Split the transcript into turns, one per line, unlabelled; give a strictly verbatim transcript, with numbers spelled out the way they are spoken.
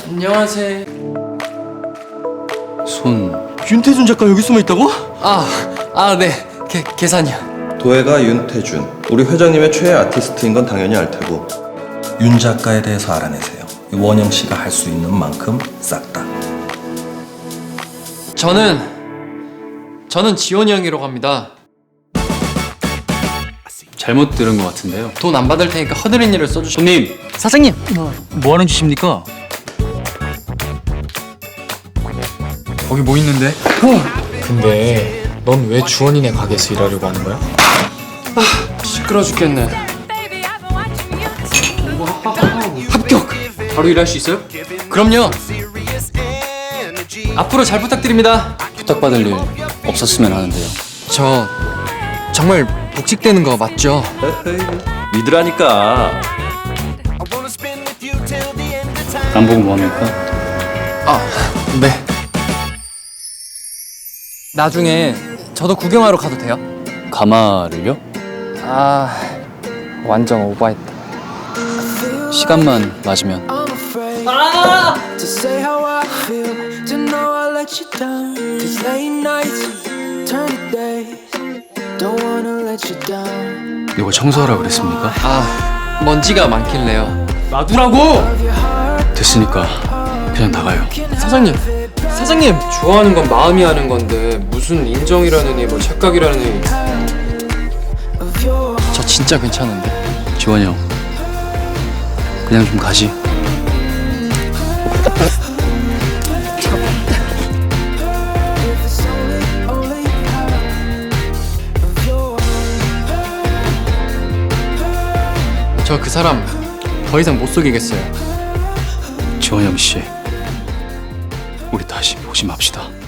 안녕하세요.
손.
윤태준 작가 여기 숨어 있다고? 아, 아, 네. 계, 계산이요.
도혜가 윤태준, 우리 회장님의 최애 아티스트인 건 당연히 알 테고 윤 작가에 대해서 알아내세요. 원영 씨가 할 수 있는 만큼 싹 다.
저는 저는 지원이 형이라고 합니다.
잘못 들은 것 같은데요.
돈 안 받을 테니까 허드렛 일을 써주시.
손님.
사장님, 뭐 하는 짓입니까?
거기 뭐 있는데? 근데 넌 왜 주원이네 가게에서 일하려고 하는 거야?
시끄러 죽겠네. 합격.
바로 일할 수 있어요?
그럼요. 앞으로 잘 부탁드립니다.
부탁받을 일 없었으면 하는데요.
저 정말 복직되는 거 맞죠?
믿으라니까.
안 보고 뭐합니까?
아, 네. 나중에 저도 구경하러 가도 돼요?
가마를요?
아, 완전 오버했다.
시간만 맞으면.
To say how I feel, to know I let you down. Cause late nights turn to days. Don't wanna let you down.
이거 청소하라 그랬습니까?
아, 먼지가 많길래요.
놔두라고! 됐으니까 그냥 나가요.
사장님, 사장님 좋아하는 건 마음이 하는 건데 무슨 인정이라느니 뭐 착각이라느니. 저 진짜 괜찮은데.
지원이 형, 그냥 좀 가지.
저 그 사람 더 이상 못 속이겠어요.
지원이 형 씨, 우리 다시 보지 맙시다.